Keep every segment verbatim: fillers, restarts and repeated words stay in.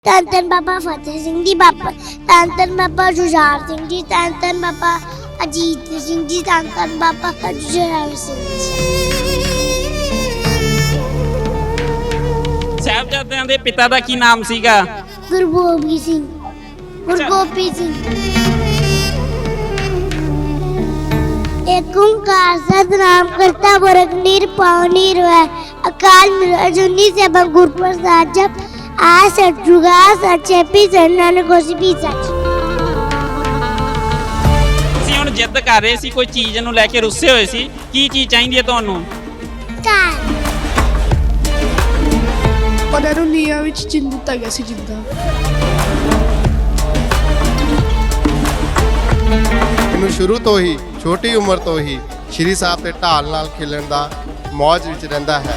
ਧੰਨ ਧੰਨ ਬਾਬਾ ਫਤਿਹ ਸਿੰਘ ਜੀ, ਬਾਬਾ ਧੰਨ ਧੰਨ ਬਾਬਾ ਜੁਝਾਰ ਸਿੰਘ ਜੀ, ਧੰਨ ਧੰਨ ਬਾਬਾ ਅਜੀਤ ਸਿੰਘ ਜੀ, ਧੰਨ ਧੰਨ ਬਾਬਾ ਜੁਝਾਰ ਸਿੰਘ ਜੀ। ਸਾਹਿਬਜ਼ਾਦਿਆਂ ਦੇ ਪਿਤਾ ਦਾ ਕੀ ਨਾਮ ਸੀਗਾ? ਗੁਰੂ ਗੋਬਿੰਦ ਸਿੰਘ, ਗੁਰੂ ਗੋਬਿੰਦ ਸਿੰਘ। ਏਕ ਓਂਕਾਰ ਸਤਿਨਾਮ ਕਰਤਾ ਪੁਰਖ ਨਿਰਭਉ ਨਿਰਵੈਰ ਅਕਾਲ ਮੂਰਤ ਅਜੂਨੀ ਸੈਭੰ ਗੁਰ ਪ੍ਰਸਾਦਿ ਜਪੁ ਆ ਸਚ ਜੁਗਾ ਸਚ ਹੈਪੀ ਨਾਨਕ ਹੋਸੀ ਵੀ ਸਚ। ਤੁਸੀਂ ਹੁਣ ਜਿੱਦ ਕਰ ਰਹੇ ਸੀ, ਕੋਈ ਚੀਜ਼ ਨੂੰ ਲੈ ਕੇ ਰੁੱਸੇ ਹੋਏ ਸੀ, ਕੀ ਚੀਜ਼ ਚਾਹੀਦੀ ਹੈ ਤੁਹਾਨੂੰ? ਕਾਰ ਉਹਨਾਂ ਨੂੰ ਨੀਹਾਂ ਵਿੱਚ ਚਿਣ ਦਿੱਤਾ ਗਿਆ ਸੀ ਜਿੱਦਾਂ। ਮੈਨੂੰ ਸ਼ੁਰੂ ਤੋਂ ਹੀ ਛੋਟੀ ਉਮਰ ਤੋਂ ਹੀ ਸ਼੍ਰੀ ਸਾਹਿਬ ਦੇ ਢਾਲ ਨਾਲ ਖੇਲਣ ਦਾ ਮੌਜ ਵਿੱਚ ਰਹਿੰਦਾ ਹੈ।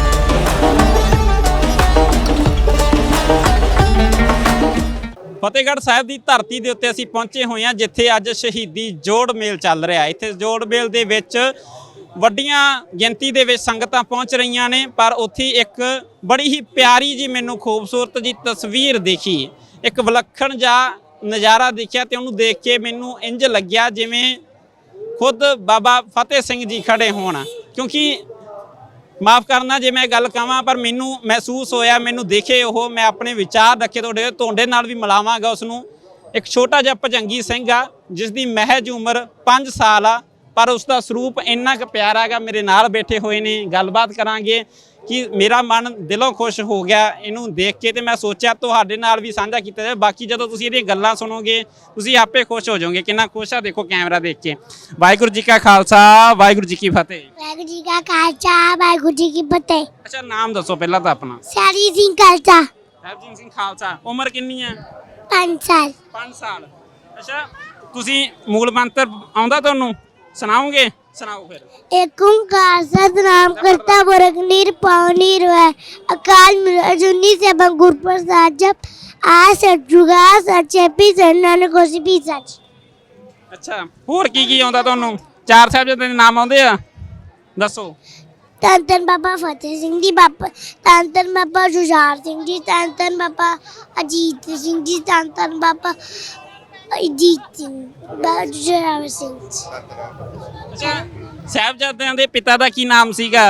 ਫਤਿਹਗੜ੍ਹ ਸਾਹਿਬ ਦੀ ਧਰਤੀ ਦੇ ਉੱਤੇ ਅਸੀਂ ਪਹੁੰਚੇ ਹੋਏ ਹਾਂ, ਜਿੱਥੇ ਅੱਜ ਸ਼ਹੀਦੀ ਜੋੜ ਮੇਲ ਚੱਲ ਰਿਹਾ। ਇੱਥੇ ਜੋੜ ਮੇਲ ਦੇ ਵਿੱਚ ਵੱਡੀਆਂ ਗਿਣਤੀ ਦੇ ਵਿੱਚ ਸੰਗਤਾਂ ਪਹੁੰਚ ਰਹੀਆਂ ਨੇ, ਪਰ ਉੱਥੇ ਇੱਕ ਬੜੀ ਹੀ ਪਿਆਰੀ ਜੀ ਮੈਨੂੰ ਖੂਬਸੂਰਤ ਜੀ ਤਸਵੀਰ ਦੇਖੀ, ਇੱਕ ਵਿਲੱਖਣ ਜਿਹਾ ਨਜ਼ਾਰਾ ਦੇਖਿਆ ਤੇ ਉਹਨੂੰ ਦੇਖ ਕੇ ਮੈਨੂੰ ਇੰਜ ਲੱਗਿਆ ਜਿਵੇਂ ਖੁਦ ਬਾਬਾ ਫਤਿਹ ਸਿੰਘ ਜੀ ਖੜੇ ਹੋਣ। ਕਿਉਂਕਿ ਮਾਫ ਕਰਨਾ ਜੇ ਮੈਂ ਗੱਲ ਕਹਾਂ, ਪਰ ਮੈਨੂੰ ਮਹਿਸੂਸ ਹੋਇਆ, ਮੈਨੂੰ ਦੇਖੇ ਉਹ, ਮੈਂ ਆਪਣੇ ਵਿਚਾਰ ਰੱਖੇ ਤੁਹਾਡੇ ਤੁਹਾਡੇ ਨਾਲ ਵੀ ਮਿਲਾਵਾਂਗਾ ਉਸ ਨੂੰ। ਇੱਕ ਛੋਟਾ ਜਿਹਾ ਭਜੰਗੀ ਸਿੰਘ ਆ, ਜਿਸ ਦੀ ਮਹਿਜ ਉਮਰ ਪੰਜ ਸਾਲ ਆ, ਪਰ ਉਸ ਦਾ ਸਰੂਪ ਇੰਨਾ ਕੁ ਪਿਆਰਾ ਗਾ। ਮੇਰੇ ਨਾਲ ਬੈਠੇ ਹੋਏ ਨੇ, ਗੱਲਬਾਤ ਕਰਾਂਗੇ ਕਿ ਮੇਰਾ ਮਨ ਦਿਲੋਂ ਖੁਸ਼ ਹੋ ਗਿਆ ਇਹਨੂੰ ਦੇਖ ਕੇ, ਤੇ ਮੈਂ ਸੋਚਿਆ ਤੁਹਾਡੇ ਨਾਲ ਵੀ ਸਾਂਝਾ ਕੀਤਾ ਜਾਵੇ। ਬਾਕੀ ਜਦੋਂ ਤੁਸੀਂ ਇਹਦੀਆਂ ਗੱਲਾਂ ਸੁਣੋਗੇ ਤੁਸੀਂ ਆਪੇ ਖੁਸ਼ ਹੋ ਜਾਓਗੇ ਕਿੰਨਾ ਖੁਸ਼ ਆ। ਦੇਖੋ ਕੈਮਰਾ ਦੇਖ ਕੇ। ਵਾਹਿਗੁਰੂ ਜੀ ਕਾ ਖਾਲਸਾ, ਵਾਹਿਗੁਰੂ ਜੀ ਕੀ ਫਤਿਹ। ਵਾਹਿਗੁਰੂ ਜੀ ਕਾ ਖਾਲਸਾ, ਵਾਹਿਗੁਰੂ ਜੀ ਕੀ ਫਤਿਹ। ਅੱਛਾ, ਨਾਮ ਦੱਸੋ ਪਹਿਲਾਂ ਤਾਂ ਆਪਣਾ। ਸੈਰੀ ਸਿੰਘ ਖਾਲਸਾ। ਸਾਹਿਬਜੀਤ ਸਿੰਘ ਖਾਲਸਾ। ਉਮਰ ਕਿੰਨੀ ਹੈ? ਪੰਜ ਸਾਲ। ਪੰਜ ਸਾਲ। ਅੱਛਾ, ਤੁਸੀਂ ਮੂਲ ਮੰਤਰ ਆਉਂਦਾ ਤੁਹਾਨੂੰ? ਸੁਣਾਓਗੇ? ਸੁਣਾਓ ਫਿਰ। ਏਕ ਓਂਕਾਰ ਸਤਿਨਾਮ ਕਰਤਾ ਪੁਰਖ ਨਿਰਭਉ ਨਿਰਵੈਰ ਅਕਾਲ ਮੂਰਤ ਅਜੂਨੀ ਸੈਭੰ ਗੁਰ ਪ੍ਰਸਾਦਿ ਜਪੁ ਆ ਸਚ ਜੁਗਾ ਸਚ ਹੈਪੀ ਨਾਨਕ ਹੋਸੀ ਵੀ ਸਚ। ਅੱਛਾ, ਹੋਰ ਕੀ ਕੀ ਆਉਂਦਾ ਤੁਹਾਨੂੰ? ਚਾਰ ਸਾਹਿਬਜ਼ਾਦਿਆਂ ਦੇ ਨਾਮ ਆਉਂਦੇ ਆ, ਦੱਸੋ। ਧੰਨ ਧੰਨ ਬਾਬਾ ਫਤਿਹ ਸਿੰਘ ਜੀ, ਬਾਬਾ ਧੰਨ ਧੰਨ ਬਾਬਾ ਜੁਝਾਰ ਸਿੰਘ ਜੀ, ਧੰਨ ਧੰਨ ਬਾਬਾ ਅਜੀਤ ਸਿੰਘ ਜੀ, ਧੰਨ ਧੰਨ ਬਾਬਾ ਅਜੀਤ ਸਿੰਘ, ਬਾਬਾ ਜੁਝਾਰ ਸਿੰਘ ਜੀ। ਅੱਛਾ, ਸਾਹਿਬਜ਼ਾਦਿਆਂ ਦੇ ਪਿਤਾ ਦਾ ਕੀ ਨਾਮ ਸੀਗਾ?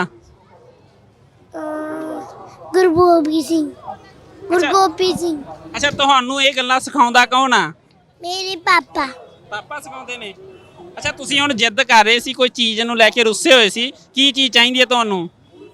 ਅਹ ਗੁਰੂ ਗੋਬਿੰਦ ਸਿੰਘ, ਗੁਰੂ ਗੋਬਿੰਦ ਸਿੰਘ। ਅੱਛਾ, ਤੁਹਾਨੂੰ ਇਹ ਗੱਲਾਂ ਸਿਖਾਉਂਦਾ ਕੌਣ ਆ? ਮੇਰੇ ਪਾਪਾ। ਪਾਪਾ ਸਿਖਾਉਂਦੇ ਨੇ। ਅੱਛਾ, ਤੁਸੀਂ ਹੁਣ ਜਿੱਦ ਕਰ ਰਹੇ ਸੀ, ਕੋਈ ਚੀਜ਼ ਨੂੰ ਲੈ ਕੇ ਰੁੱਸੇ ਹੋਏ ਸੀ, ਕੀ ਚੀਜ਼ ਚਾਹੀਦੀ ਹੈ ਤੁਹਾਨੂੰ?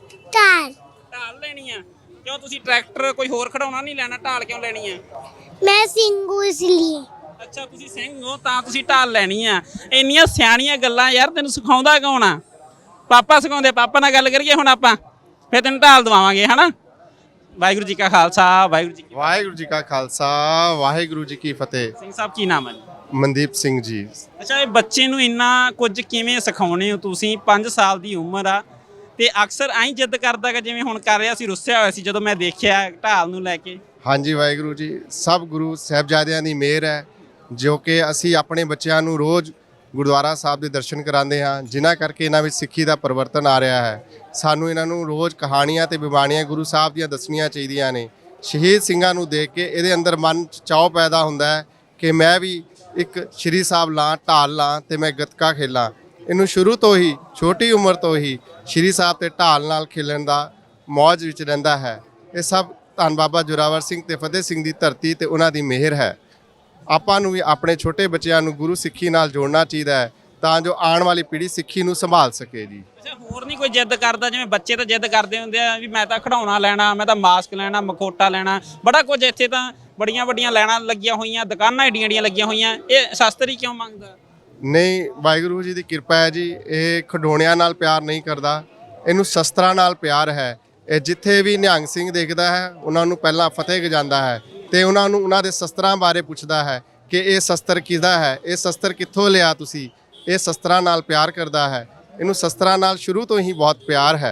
ਢਾਲ। ਢਾਲ ਲੈਣੀ ਆ? ਕਿਉਂ, ਤੁਸੀਂ ਟਰੈਕਟਰ ਕੋਈ ਹੋਰ ਖੜਾਉਣਾ ਨਹੀਂ ਲੈਣਾ, ਢਾਲ ਕਿਉਂ ਲੈਣੀ ਆ? ਮੈਂ ਸਿੰਘੂ ਇਸ ਲਈ। ਅੱਛਾ, ਤੁਸੀਂ ਸਿੰਘ ਹੋ ਤਾਂ ਤੁਸੀਂ ਢਾਲ ਲੈਣੀ ਆ। ਇੰਨੀਆਂ ਸਿਆਣੀਆਂ ਗੱਲਾਂ ਯਾਰ, ਤੈਨੂੰ ਸਿਖਾਉਂਦਾ ਕੌਣ ਆ? ਪਾਪਾ ਸਿਖਾਉਂਦੇ। ਪਾਪਾ ਨਾਲ ਗੱਲ ਕਰੀਏ ਹੁਣ ਆਪਾਂ, ਫਿਰ ਤੈਨੂੰ ਢਾਲ ਦਵਾਵਾਂਗੇ, ਹਨਾ। ਵਾਹਿਗੁਰੂ ਜੀ ਕਾ ਖਾਲਸਾ, ਵਾਹਿਗੁਰੂ ਜੀ ਕੀ ਫਤਿਹ। ਵਾਹਿਗੁਰੂ ਜੀ ਕਾ ਖਾਲਸਾ, ਵਾਹਿਗੁਰੂ ਜੀ ਕੀ ਫਤਿਹ। ਸਿੰਘ ਸਾਹਿਬ ਕੀ ਨਾਮ ਹੈ ਜੀ? ਮਨਦੀਪ ਸਿੰਘ ਜੀ। ਅੱਛਾ, ਇਹ ਬੱਚੇ ਨੂੰ ਇੰਨਾ ਕੁਝ ਕਿਵੇਂ ਸਿਖਾਉਣੇ ਹੋ ਤੁਸੀਂ? ਪੰਜ ਸਾਲ ਦੀ ਉਮਰ ਆ ਤੇ ਅਕਸਰ ਐਂ ਜਿੱਦ ਕਰਦਾ ਕਿ ਜਿਵੇਂ ਹੁਣ ਕਰ ਰਿਹਾ ਸੀ, ਰੁੱਸਿਆ ਹੋਇਆ ਸੀ ਜਦੋਂ ਮੈਂ ਦੇਖਿਆ ਢਾਲ ਨੂੰ ਲੈ ਕੇ। ਹਾਂਜੀ, ਵਾਹਿਗੁਰੂ ਜੀ, ਸਭ ਗੁਰੂ ਸਾਹਿਬਜ਼ਾਦਿਆਂ ਦੀ ਮਿਹਰ ਹੈ, ਜੋ ਕਿ ਅਸੀਂ ਆਪਣੇ ਬੱਚਿਆਂ ਨੂੰ ਰੋਜ਼ ਗੁਰਦੁਆਰਾ ਸਾਹਿਬ ਦੇ ਦਰਸ਼ਨ ਕਰਾਉਂਦੇ ਹਾਂ, ਜਿਨ੍ਹਾਂ ਕਰਕੇ ਇਹਨਾਂ ਵਿੱਚ ਸਿੱਖੀ ਦਾ ਪਰਿਵਰਤਨ ਆ ਰਿਹਾ ਹੈ। ਸਾਨੂੰ ਇਹਨਾਂ ਨੂੰ ਰੋਜ਼ ਕਹਾਣੀਆਂ ਤੇ ਬਿਬਾਣੀਆਂ ਗੁਰੂ ਸਾਹਿਬ ਦੀਆਂ ਦੱਸਣੀਆਂ ਚਾਹੀਦੀਆਂ ਨੇ। ਸ਼ਹੀਦ ਸਿੰਘਾਂ ਨੂੰ ਦੇਖ ਕੇ ਇਹਦੇ ਅੰਦਰ ਮਨ 'ਚ ਚਾਅ ਪੈਦਾ ਹੁੰਦਾ ਹੈ ਕਿ ਮੈਂ ਵੀ ਇੱਕ ਸ਼੍ਰੀ ਸਾਹਿਬ ਲਾਂ, ਢਾਲ ਲਾਂ ਤੇ ਮੈਂ ਗੱਤਕਾ ਖੇਲਾਂ। ਇਹਨੂੰ ਸ਼ੁਰੂ ਤੋਂ ਹੀ ਛੋਟੀ ਉਮਰ ਤੋਂ ਹੀ ਸ਼੍ਰੀ ਸਾਹਿਬ ਤੇ ਢਾਲ ਨਾਲ ਖੇਲਣ ਦਾ ਮੌਜ ਵਿੱਚ ਰਹਿੰਦਾ ਹੈ। ਇਹ ਸਭ ਧੰਨ ਬਾਬਾ ਜ਼ੋਰਾਵਰ ਸਿੰਘ ਤੇ ਫਤਿਹ ਸਿੰਘ ਦੀ ਧਰਤੀ ਤੇ ਉਹਨਾਂ ਦੀ ਮਿਹਰ ਹੈ। ਆਪਾਂ ਨੂੰ ਵੀ ਆਪਣੇ ਛੋਟੇ ਬੱਚਿਆਂ ਨੂੰ ਗੁਰੂ ਸਿੱਖੀ ਨਾਲ ਜੋੜਨਾ ਚਾਹੀਦਾ ਹੈ, ਤਾਂ ਜੋ ਆਉਣ ਵਾਲੀ ਪੀੜ੍ਹੀ ਸਿੱਖੀ ਨੂੰ ਸੰਭਾਲ ਸਕੇ ਜੀ। ਅੱਛਾ, ਹੋਰ ਨਹੀਂ ਕੋਈ ਜਿੱਦ ਕਰਦਾ? ਜਿਵੇਂ ਬੱਚੇ ਤਾਂ ਜਿੱਦ ਕਰਦੇ ਹੁੰਦੇ ਆ ਵੀ ਮੈਂ ਤਾਂ ਖਿਡੌਣਾ ਲੈਣਾ, ਮੈਂ ਤਾਂ ਮਾਸਕ ਲੈਣਾ, ਮਖੋਟਾ ਲੈਣਾ, ਬੜਾ ਕੁਝ। ਇੱਥੇ ਤਾਂ ਬੜੀਆਂ ਵੱਡੀਆਂ ਲਾਈਨਾਂ ਲੱਗੀਆਂ ਹੋਈਆਂ, ਦੁਕਾਨਾਂ ਏਡੀਆਂ ਏਡੀਆਂ ਲੱਗੀਆਂ ਹੋਈਆਂ, ਇਹ ਸ਼ਾਸਤਰੀ ਕਿਉਂ ਮੰਗਦਾ? ਨਹੀਂ, ਵਾਹਿਗੁਰੂ ਜੀ ਦੀ ਕਿਰਪਾ ਹੈ ਜੀ। ਇਹ ਖਿਡੌਣਿਆਂ ਨਾਲ ਪਿਆਰ ਨਹੀਂ ਕਰਦਾ, ਇਹਨੂੰ ਸ਼ਸਤਰਾਂ ਨਾਲ ਪਿਆਰ ਹੈ। ਇਹ ਜਿੱਥੇ ਵੀ ਨਿਹੰਗ ਸਿੰਘ ਦੇਖਦਾ ਹੈ, ਉਹਨਾਂ ਨੂੰ ਪਹਿਲਾਂ ਫਤਿਹ ਗਜਾਉਂਦਾ ਹੈ ਤੇ ਉਹਨਾਂ ਨੂੰ ਉਹਨਾਂ ਦੇ ਸ਼ਸਤਰਾਂ ਬਾਰੇ ਪੁੱਛਦਾ ਹੈ ਕਿ ਇਹ ਸ਼ਸਤਰ ਕਿਹਦਾ ਹੈ, ਇਹ ਸ਼ਸਤਰ ਕਿੱਥੋਂ ਲਿਆ ਤੁਸੀਂ। ਇਹ ਸ਼ਸਤਰਾਂ ਨਾਲ ਪਿਆਰ ਕਰਦਾ ਹੈ, ਇਹਨੂੰ ਸ਼ਸਤਰਾਂ ਨਾਲ ਸ਼ੁਰੂ ਤੋਂ ਹੀ ਬਹੁਤ ਪਿਆਰ ਹੈ।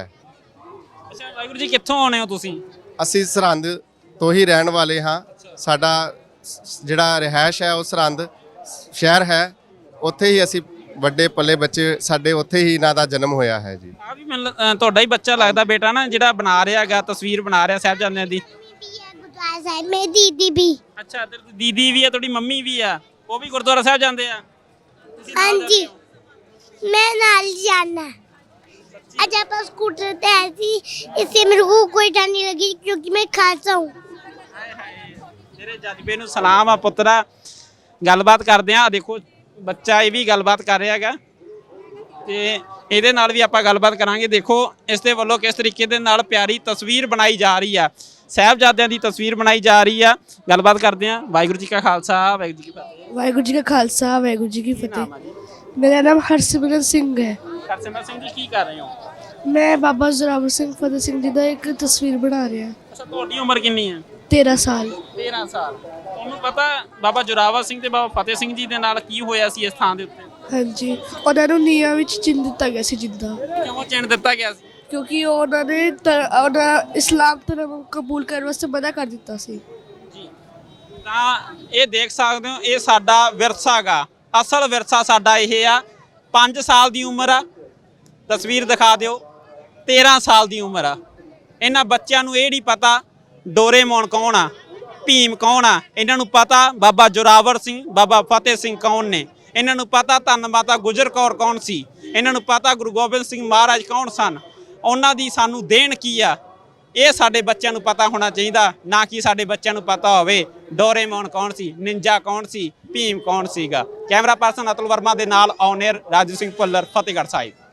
ਅੱਛਾ, ਵਾਹਿਗੁਰੂ ਜੀ ਕਿੱਥੋਂ ਆਉਣੇ ਹੋ ਤੁਸੀਂ? ਅਸੀਂ ਸਰਹੰਦ ਤੋਂ ਹੀ ਰਹਿਣ ਵਾਲੇ ਹਾਂ। ਸਾਡਾ ਜਿਹੜਾ ਰਿਹਾਇਸ਼ ਹੈ ਉਹ ਸਰਹੰਦ ਸ਼ਹਿਰ ਹੈ, ਉੱਥੇ ਹੀ ਅਸੀਂ ਵੱਡੇ ਪੱਲੇ ਬੱਚੇ ਸਾਡੇ ਉੱਥੇ ਹੀ ਇਹਨਾਂ ਦਾ ਜਨਮ ਹੋਇਆ ਹੈ ਜੀ। ਆ ਵੀ ਮੈਨੂੰ ਤੁਹਾਡਾ ਹੀ ਬੱਚਾ ਲੱਗਦਾ ਬੇਟਾ ਨਾ, ਜਿਹੜਾ ਬਣਾ ਰਿਹਾ ਹੈਗਾ, ਤਸਵੀਰ ਬਣਾ ਰਿਹਾ ਸਾਹਿਬਜ਼ਾਦਿਆਂ ਦੀ। ਗੁਰਦੁਆਰਾ ਸਾਹਿਬ ਮੇਰੀ ਦੀਦੀ ਵੀ ਅੱਛਾ ਤੇ ਦੀਦੀ ਵੀ ਆ, ਤੁਹਾਡੀ ਮੰਮੀ ਵੀ ਆ, ਉਹ ਵੀ ਗੁਰਦੁਆਰਾ ਸਾਹਿਬ ਜਾਂਦੇ ਆ? ਤੁਸੀਂ ਨਾਲ ਹਾਂਜੀ ਜਾਂਦੇ ਹੋ? मैं नाल जाना आज आप स्कूटर पे आई थी इससे मेरे को कोई डर नहीं लगी क्योंकि मैं खालसा हूँ ਹਾਏ ਹਾਏ ਤੇਰੇ ਜਜ਼ਬੇ ਨੂੰ ਸਲਾਮ ਆ ਪੁੱਤਰਾ। ਗੱਲਬਾਤ ਕਰਦੇ ਆ, ਦੇਖੋ ਬੱਚਾ ਇਹ ਵੀ ਗੱਲਬਾਤ ਕਰ ਰਿਹਾ ਹੈਗਾ ਤੇ ਇਹਦੇ ਨਾਲ ਵੀ ਆਪਾਂ ਗੱਲਬਾਤ ਕਰਾਂਗੇ। ਦੇਖੋ ਇਸ ਦੇ ਵੱਲੋਂ ਕਿਸ ਤਰੀਕੇ ਦੇ ਨਾਲ ਪਿਆਰੀ ਤਸਵੀਰ ਬਣਾਈ ਜਾ ਰਹੀ ਆ, ਸਾਹਿਬਜ਼ਾਦਿਆਂ ਦੀ ਤਸਵੀਰ ਬਣਾਈ ਜਾ ਰਹੀ ਆ। ਗੱਲਬਾਤ ਕਰਦੇ ਆ। ਵਾਹਿਗੁਰੂ ਜੀ ਕਾ ਖਾਲਸਾ ਵਾਹਿਗੁਰੂ ਜੀ ਕੀ ਫਤਿਹ। ਵਾਹਿਗੁਰੂ ਜੀ ਕਾ ਖਾਲਸਾ ਵਾਹਿਗੁਰੂ ਜੀ ਕੀ ਨਾਮ ਫਤਿਹ। ਆ ਜੀ? ਮੇਰਾ ਨਾਮ ਹਰਸਿਮਰਨ ਸਿੰਘ ਹੈ। ਹਰਸਿਮਰਨ ਸਿੰਘ ਜੀ ਕੀ ਕਰ ਰਹੇ ਹੋ? ਮੈਂ ਬਾਬਾ ਜ਼ੋਰਾਵਰ ਸਿੰਘ ਫਤਿਹ ਸਿੰਘ ਜੀ ਦਾ ਇੱਕ ਤਸਵੀਰ ਬਣਾ ਰਿਹਾ। ਅੱਛਾ ਤੁਹਾਡੀ ਉਮਰ ਕਿੰਨੀ ਹੈ? ਤੇਰਾਂ ਸਾਲ। ਤੇਰਾਂ ਸਾਲ। ਤੁਹਾਨੂੰ ਪਤਾ ਬਾਬਾ ਜੋਰਾਵਰ ਸਿੰਘ ਤੇ ਬਾਬਾ ਫਤਿਹ ਸਿੰਘ ਜੀ ਦੇ ਨਾਲ ਕੀ ਹੋਇਆ ਸੀ ਇਸ ਥਾਂ ਦੇ ਉੱਤੇ? ਹਾਂਜੀ, ਉਹਨਾਂ ਨੂੰ ਨੀਹਾਂ ਵਿੱਚ ਚਿਣ ਦਿੱਤਾ ਗਿਆ ਸੀ ਜਿੱਦਾਂ, ਕਿਉਂ ਚਿਣ ਦਿੱਤਾ ਗਿਆ ਸੀ? ਕਿਉਂਕਿ ਉਹਨਾਂ ਨੇ ਧ- ਉਹਨਾਂ ਇਸਲਾਮ ਧਰਮ ਕਬੂਲ ਕਰਨ ਵਾਸਤੇ ਮਨਾ ਕਰ ਦਿੱਤਾ ਸੀ। ਜੀ ਤਾਂ ਇਹ ਦੇਖ ਸਕਦੇ ਹੋ, ਇਹ ਸਾਡਾ ਵਿਰਸਾ ਗਾ, ਅਸਲ ਵਿਰਸਾ ਸਾਡਾ ਇਹ ਆ। ਪੰਜ ਸਾਲ ਦੀ ਉਮਰ ਆ, ਤਸਵੀਰ ਦਿਖਾ ਦਿਓ। ਤੇਰਾਂ ਸਾਲ ਦੀ ਉਮਰ ਆ। ਇਹਨਾਂ ਬੱਚਿਆਂ ਨੂੰ ਇਹ ਨਹੀਂ ਪਤਾ ਡੋਰੇਮੋਨ ਕੌਣ ਆ, ਭੀਮ ਕੌਣ ਆ। ਇਹਨਾਂ ਨੂੰ ਪਤਾ ਬਾਬਾ ਜੋਰਾਵਰ ਸਿੰਘ, ਬਾਬਾ ਫਤਿਹ ਸਿੰਘ ਕੌਣ ਨੇ। ਇਹਨਾਂ ਨੂੰ ਪਤਾ ਧੰਨ ਮਾਤਾ ਗੁਜਰ ਕੌਰ ਕੌਣ ਸੀ। ਇਹਨਾਂ ਨੂੰ ਪਤਾ ਗੁਰੂ ਗੋਬਿੰਦ ਸਿੰਘ ਮਹਾਰਾਜ ਕੌਣ ਸਨ। ਉਹਨਾਂ ਦੀ ਸਾਨੂੰ ਦੇਣ ਕੀ ਆ, ਇਹ ਸਾਡੇ ਬੱਚਿਆਂ ਨੂੰ ਪਤਾ ਹੋਣਾ ਚਾਹੀਦਾ, ਨਾ ਕਿ ਸਾਡੇ ਬੱਚਿਆਂ ਨੂੰ ਪਤਾ ਹੋਵੇ ਡੋਰੇਮੋਨ ਕੌਣ ਸੀ, ਨਿੰਜਾ ਕੌਣ ਸੀ, ਭੀਮ ਕੌਣ ਸੀਗਾ। ਕੈਮਰਾ ਪਰਸਨ ਅਤੁਲ ਵਰਮਾ ਦੇ ਨਾਲ on air Raju Singh Bhullar, Fatehgarh Sahib.